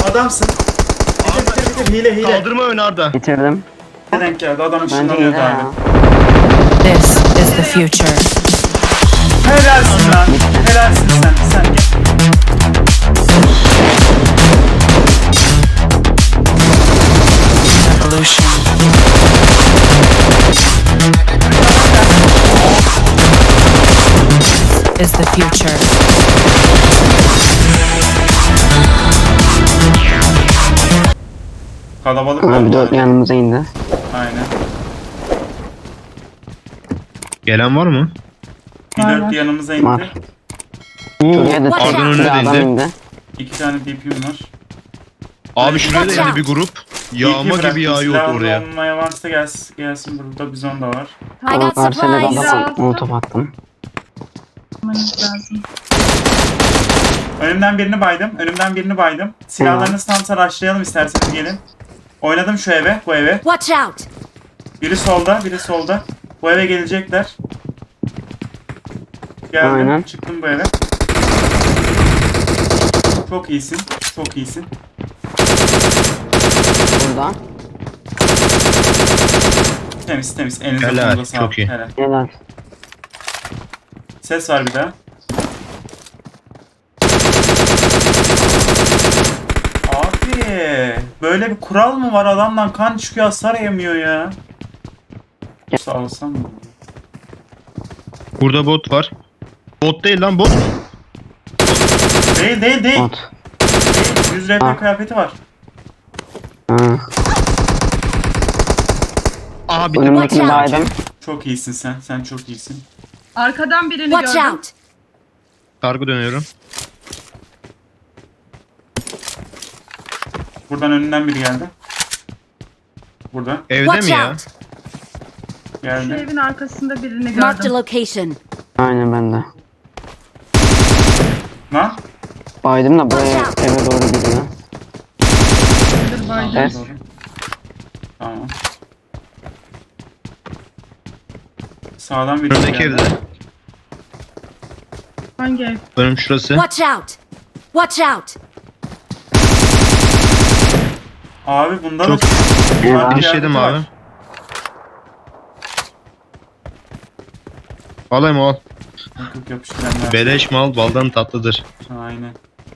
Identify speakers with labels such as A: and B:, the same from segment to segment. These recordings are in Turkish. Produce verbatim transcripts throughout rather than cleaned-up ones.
A: Adamsın. Bitir bitir bitir. Hile hile.
B: Kaldırma ön Arda.
C: Bitirdim.
A: Ne denk geldi? Adam
C: Bence
A: ışınlanıyordu
C: hile
A: abi.
C: ya.
D: This is the future.
A: Helalsin lan. Helalsin sen. Sen gel.
D: Evolution. Is the future.
A: Kalabalık
C: Abi
A: oldu.
C: dört yanımıza indi.
A: Aynen.
B: Gelen var mı?
A: Bir dört yanımıza indi.
C: Var. Şuraya da
D: Arda'nın
C: tek
B: önüne
C: bir adam
B: değdi.
C: indi.
A: İki tane D P'm var.
B: Abi şuraya da
D: Watch
B: yani bir grup yağma
A: D P bıraktım.
B: gibi yağıyor
A: Silahlı
B: oraya.
A: olmaya varsa gelsin, gelsin burada bizon da var.
E: I
C: Ama
E: got
C: karşıya da
E: supplies.
C: adam molotof attım.
E: lazım.
A: Önümden birini baydım. Önümden birini baydım. Silahlarınızı tam saraçlayalım isterseniz gelin. Oynadım şu eve, bu eve.
E: Watch out!
A: Biri solda, biri solda. Bu eve gelecekler. Geldim,
C: Aynen.
A: çıktım bu eve. Çok iyisin, çok iyisin.
C: Burada.
A: Temiz temiz, elinize
B: Helal,
A: kolunuza sağlık.
B: çok iyi.
A: Helal.
C: Helal.
A: Ses var bir daha. Abi, böyle bir kural mı var? Adamdan kan çıkıyor, hasar yemiyor ya. Sağ olsam mı?
B: Burada bot var. Bot değil lan bot.
A: Değil değil değil.
C: Bot.
A: Değil. yüz R P
C: Ha.
A: kıyafeti var.
C: Ha.
B: Aha bir
C: Önümdekini
E: Watch out.
C: baydım.
A: Çok iyisin sen. Sen çok iyisin.
F: Arkadan birini
E: Watch
F: gördüm.
E: out!
B: kargı dönüyorum.
A: Buradan önünden biri geldi. Burada.
B: Evde
E: Watch
B: mi ya?
E: out!
F: Şu
A: Geldi.
F: evin arkasında birini
E: Marked a
F: gördüm.
E: location.
C: Aynen bende.
A: Lan.
C: Baydım da buraya eve doğru gidiyor.
F: Dur baydım.
C: Ses.
A: Doğru. Tamam. Sağdan biri
B: Önümdeki
A: geldi.
B: evde.
F: Hangi ev?
B: Önüm şurası.
E: Watch out! Watch out!
A: Abi bunda da
B: Çok-
A: farklı bir
C: Eyvah.
B: Finishledim
A: kıyafeti
B: abi.
A: var.
B: Alayım al.
A: Yok yok yapıştıranlar.
B: Beleş mal baldan tatlıdır.
A: Aynen.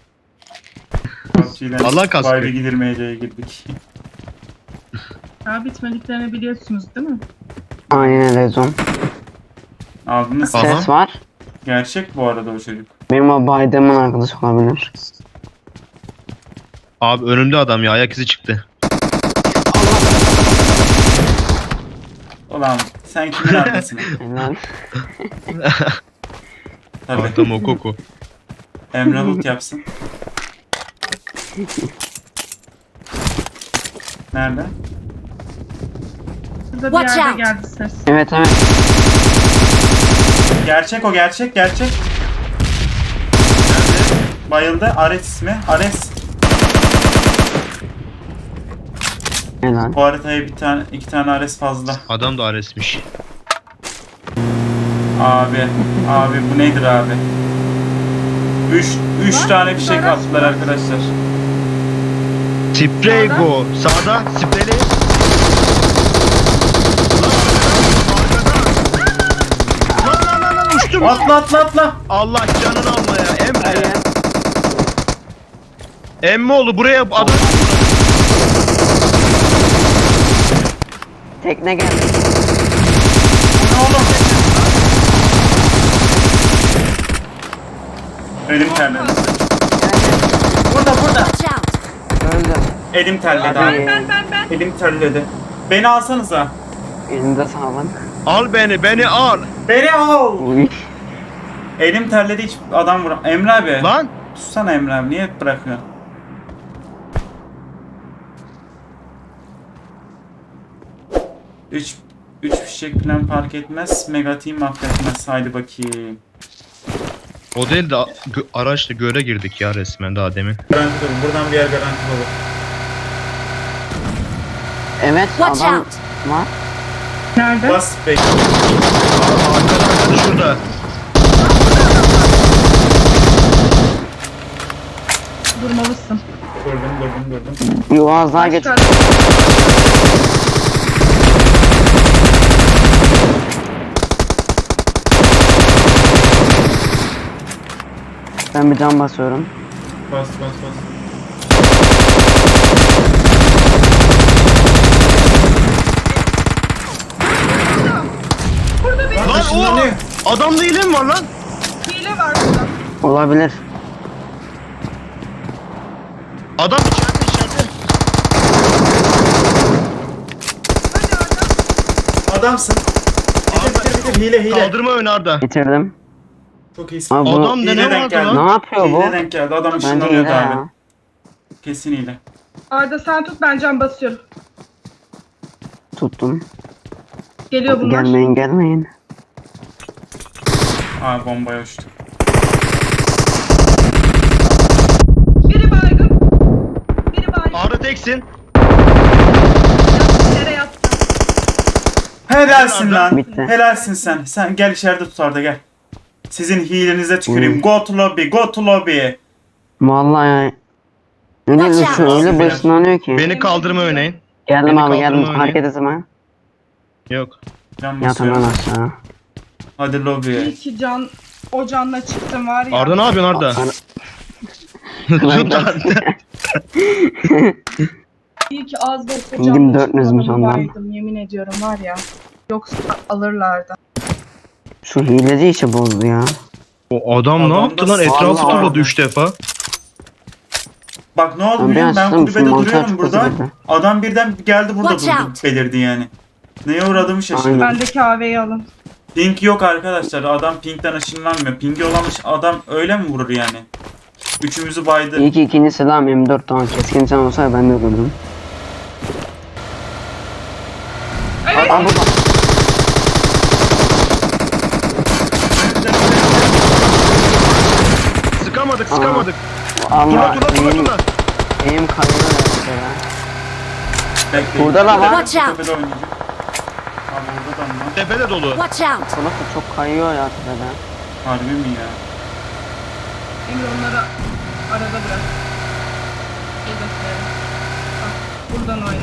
A: P U B G'den
B: Allah kaskı.
A: Vibe'e gidilmeyeceğe girdik.
F: Daha bitmediklerini biliyorsunuz değil mi?
C: Aynen rezon.
A: Aldınız.
B: Aha.
C: Ses var.
A: Gerçek bu arada o çocuk.
C: Benim o baydığımın arkadaşı olabilir.
B: Abi önümde adam ya ayak izi çıktı.
A: Ulan sen kimin arkasın?
C: Helal.
A: Tabii.
B: Adam o koku.
A: Emre loot yapsın. Nerede?
F: Burada bir
E: Watch
F: yerde
E: out.
F: geldi ses.
C: Evet evet.
A: Gerçek o gerçek gerçek. Bayıldı. Ares ismi. Ares.
C: Helal.
A: Bu haritaya bir tane iki tane Ares fazla.
B: Adam da aresmiş.
A: Abi. Abi bu nedir abi? Üç, üç tane fişek attılar arkadaşlar.
B: Sprey go. Sağda spreyli. Lan lan lan lan uçtum.
A: Atla atla atla.
B: Allah canını alma ya Emre. Emmoğlu buraya adam.
C: Tekne geldi.
A: Ne oğlum? Elim terledi. Burada burada.
E: Watch out!
C: Öldü.
A: Elim terledi
C: Abi.
A: abi.
F: Ben ben ben.
A: Elim terledi. Beni alsanıza.
C: Elinde sağlık.
B: Al beni beni al.
A: Beni al.
C: Uy.
A: Elim terledi hiç adam vur. Emre abi.
B: Lan.
A: Tutsana Emre abi. Niye hep bırakıyorsun? Üç, üç fişek plan fark etmez. Mega team affetmez. Haydi bakayım.
B: O değil de gö- araçla göle girdik ya resmen daha demin.
A: Garanti olur. Buradan bir yer garanti olur.
C: Evet
E: Watch
C: adam
E: out!
C: var.
F: Nerede?
A: Bas bekle.
B: Arkada şurada.
F: Durmalısın.
A: Durdum durdum durdum.
C: Bir Uaz daha geç.
F: Çıkar.
C: Ben bir can basıyorum.
A: Bas bas bas.
F: Burada bir
A: Lan
B: Lan
A: ışınlanıyor.
B: o! Adamda hile mi var lan?
F: hile var burada.
C: Olabilir.
B: Adam içeride içeride.
F: Hadi Arda.
A: Adamsın. Bitir bitir bitir. Hile hile.
B: Kaldırma ön Arda.
C: Bitirdim.
A: Çok iyisin.
C: Abi bu
B: Adam da
A: Hile
B: ne
A: denk
B: vardı
A: geldi.
B: lan?
C: ne yapıyor bu?
A: Hile denk geldi. Adam
C: Bence
A: ışınlanıyordu
C: hile
A: abi.
C: ya.
A: Kesin hile.
F: Arda sen tut, ben can basıyorum.
C: Tuttum.
F: Geliyor bunlar.
C: Gelmeyin gelmeyin.
A: Aa bombaya uçtu.
F: Biri baygın. Biri baygın.
B: Arda teksin.
F: Yattı, yere yattı.
A: Helalsin lan.
C: Bitti.
A: Helalsin sen. Sen gel içeride tut Arda gel. Sizin hilenize tüküreyim.
C: Hmm.
A: Go to lobby. Go to lobby.
C: Vallahi ya. Öyle
E: Watch
C: bir
E: out.
C: öyle başlanıyor ki.
B: Beni kaldırma öneyin.
C: Geldim
B: beni
C: abi geldim.
B: kaldırma
C: Hareket etme.
B: Yok.
A: Can
C: Yat hemen
A: basıyorum.
C: aşağı.
A: Hadi lobiye.
F: İyi ki can o canla çıktım var ya.
B: Arda ne yapıyorsun Arda? Tut Arda.
F: İyi ki az da olsa
C: Pingim
F: canla
C: dört yüzmüş
F: çıkmadım,
C: ondan.
F: baydım, yemin ediyorum var ya. Yoksa alırlardı.
C: Şu hileci işi bozdu ya.
B: O adam ne
A: Adam
B: yaptı
A: da
B: lan? Etrafı
C: sağlam
B: turladı
A: abi.
B: üç defa.
A: Bak ne oldu
C: Ben
A: biliyor musun? Ben
C: açtım,
A: kulübede
C: şu mantar
A: duruyorum
C: çıkması
A: burada.
C: gibi.
A: Adam birden geldi burada
E: Watch
A: durdu
E: out.
A: belirdi yani. Neye uğradığımı şaşırdım.
C: Aynen.
F: Bendeki A V'yi alın.
A: Ping yok arkadaşlar. Adam pingden ışınlanmıyor. Pingi olamış adam öyle mi vurur yani? Üçümüzü baydı.
C: İyi ki ikinci silahım M dört tamam. Keskin can olsaydı ben de öldürdüm.
F: Evet.
C: Aa burada.
B: Sıkamadık sıkamadık. Turla
C: Allah
B: turla turla
C: eğim,
B: turla.
C: eğim kayıyor ya.
A: Bekleyin.
C: Burada da var.
E: Watch out.
A: Tepede oynayacak. Abi burada da mı?
B: Tepede dolu.
E: Watch out!
C: Salak da çok kayıyor ya tepede.
A: Harbi mi ya?
F: Emre onları arada bırak. Hedefleri. Bak, buradan oyna.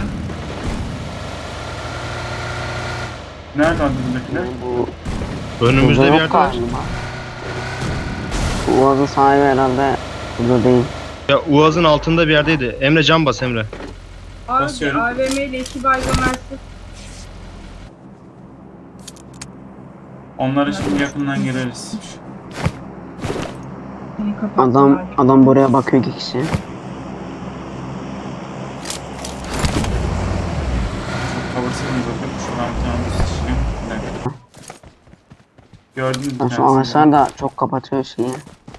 A: Nerede abi buradakiler?
C: Bu
B: Önümüzde
C: burada
B: bir
C: yok
B: yerde var.
C: galiba. Uaz'ın sahibi herhalde burada değil.
B: Ya Uaz'ın altında bir yerdeydi. Emre can bas Emre.
F: Abi
A: Basıyorum.
F: A V M ile iki baygın versin.
A: Onlara şimdi yakından gireriz.
F: Seni kapatsın
C: Adam
F: abi.
C: adam buraya bakıyor iki kişi.
A: Kavursayım zaten. Şuradan bir tane buz şişeyim. Bir dakika. Gördün mü?
C: Ya şu ağaçlar da çok kapatıyor şeyi.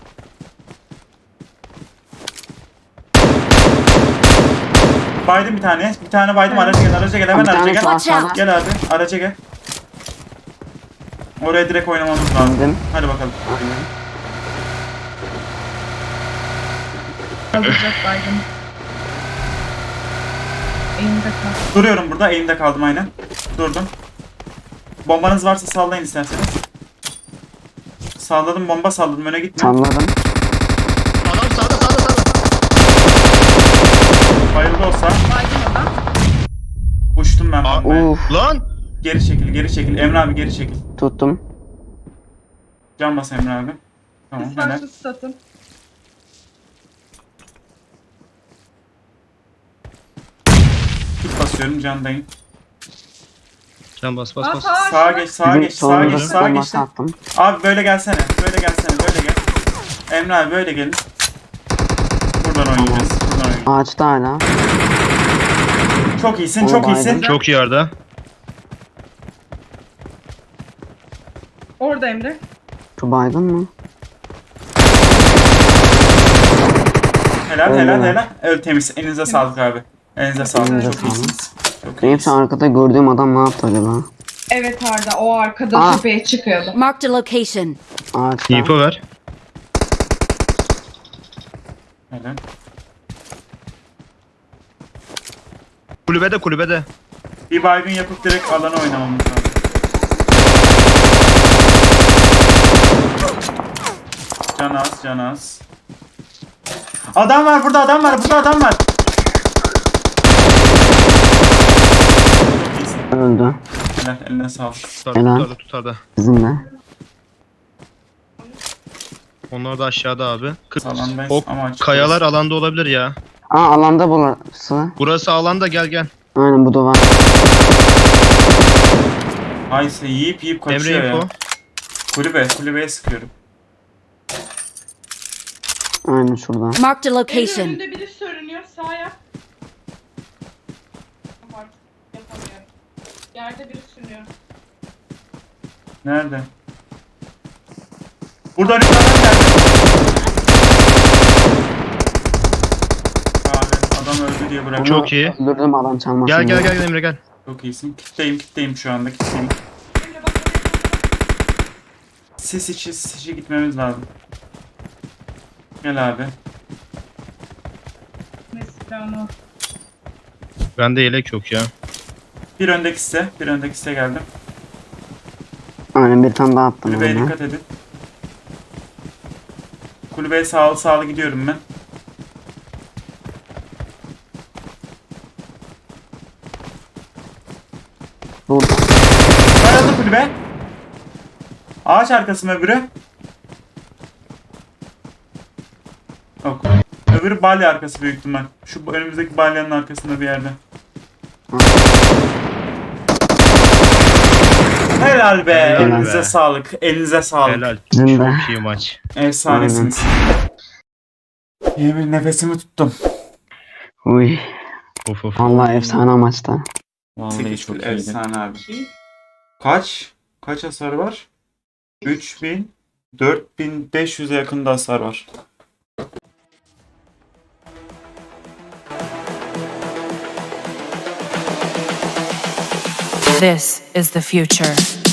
A: Baydım bir tane. Bir tane baydım. Araca gel. Araca gel. Hemen
C: Bir
A: araca
C: tane
A: gel.
C: şu
E: Watch out.
C: aşağıda.
A: Gel abi. Araca gel. Oraya direkt oynamamız lazım.
C: Bindim.
A: Hadi bakalım.
C: Aynen.
F: Alacak baygın. Eğimde kal.
A: Duruyorum burada. Eğimde kaldım aynen. Durdum. Bombanız varsa sallayın isterseniz. Salladım bomba salladım. Öne gitme.
C: Salladım.
B: Adam sağda sağda sağda.
A: Bayıldı olsa.
F: Baygın adam.
A: Uçtum ben
B: Aa,
A: bombaya.
C: Uf
B: Lan!
A: Geri çekil. Geri çekil. Emre abi geri çekil.
C: tuttum.
A: Can bas Emre abi. Tamam
F: Siz
A: helal.
F: başlı satın.
A: Tut basıyorum candayım.
B: Can bas bas bas.
F: Aa,
A: Sağa geç, sağa
C: Bizim
A: geç, sağa
C: solumuza
A: geç, sağa geç.
C: bombası attım.
A: Abi böyle gelsene, böyle gelsene, böyle gel. Emre abi böyle gelin. Buradan oynayacağız, buradan oynayacağız.
C: Ağaçta hala.
A: Çok iyisin,
C: Oo,
A: çok
C: baydım.
A: iyisin.
B: Çok iyi Arda.
F: Orada Emre.
C: Şu baygın mı?
A: Helal,
C: Öyle
A: helal,
C: mi?
A: helal. Evet temiz. Elinize sağlık abi. Elinize sağlık.
C: Elinize
A: Çok
C: sağlık.
A: iyisiniz. Çok
C: Benim şu
A: iyisiniz.
C: arkada gördüğüm adam ne yaptı acaba?
F: Evet Arda, o arkada
C: Aa.
F: tepeye çıkıyordu.
E: Marked a location.
C: Ağaçta.
B: İpo ver.
A: Helal.
B: Kulübede kulübede.
A: Bir baygın yapıp direkt alana oynamamız lazım. Can az, can az. Adam var burada, adam var burada, adam var. Çok iyisin.
C: Öldü.
A: Helal, eline sağlık.
B: Tutarda
C: Helal.
B: tutarda tutarda.
C: Bizimle.
B: Onlar da aşağıda abi. Kırk.
A: Alandayız
B: O
A: ama açık
B: kayalar
A: burası.
B: alanda olabilir ya.
C: Aa alanda burası.
B: Burası alanda, gel gel.
C: Aynen bu da var.
A: Ayse yiyip yiyip kaçıyor
B: Emre
A: ya.
B: info.
A: Kulübe, kulübeye sıkıyorum.
C: Aynen şurada.
E: Marked a
F: Evin
E: location.
F: önünde biri sürünüyor. Sağ yap. Artık yapamıyorum. Yerde biri sürünüyor.
A: Nerede? Burada önümde adam geldi. Abi adam öldü diye bırak.
B: Çok iyi.
C: Öldürdüm adam çalmasın.
B: Gel gel
C: diye.
B: gel Emre gel.
A: Çok iyisin. Kitleyim, kitleyim şu anda, kitleyim.
F: Emre bak.
A: Sis içi, sis içi gitmemiz lazım. Gel abi.
F: Ne silahını.
B: Bende yelek yok ya.
A: Bir öndeki site, bir öndeki site geldim.
C: Aynen bir tane daha attım.
A: Kulübeye
C: ona.
A: dikkat edin. Kulübeye sağlı sağlı gidiyorum ben.
C: Burada.
A: Karalı kulübe. Ağaç arkası mı öbürü? Yok. Öbürü balya arkası büyük ihtimal. Şu önümüzdeki balyanın arkasında bir yerde. Helal be.
B: Helal
A: Elinize
B: be.
A: sağlık. Elinize sağlık.
B: Helal.
C: Bizim de.
B: Çok iyi maç.
A: Efsanesiniz. İyi bir nefesimi tuttum.
C: Uy.
B: Of of.
C: Vallahi efsane maçta.
G: Vallahi
A: sekiz
G: çok
A: kill
G: iyiydi.
A: efsane abi. Kaç? Kaç hasar var? üç bin dört bin beş yüze yakında hasar var.
D: This is the future.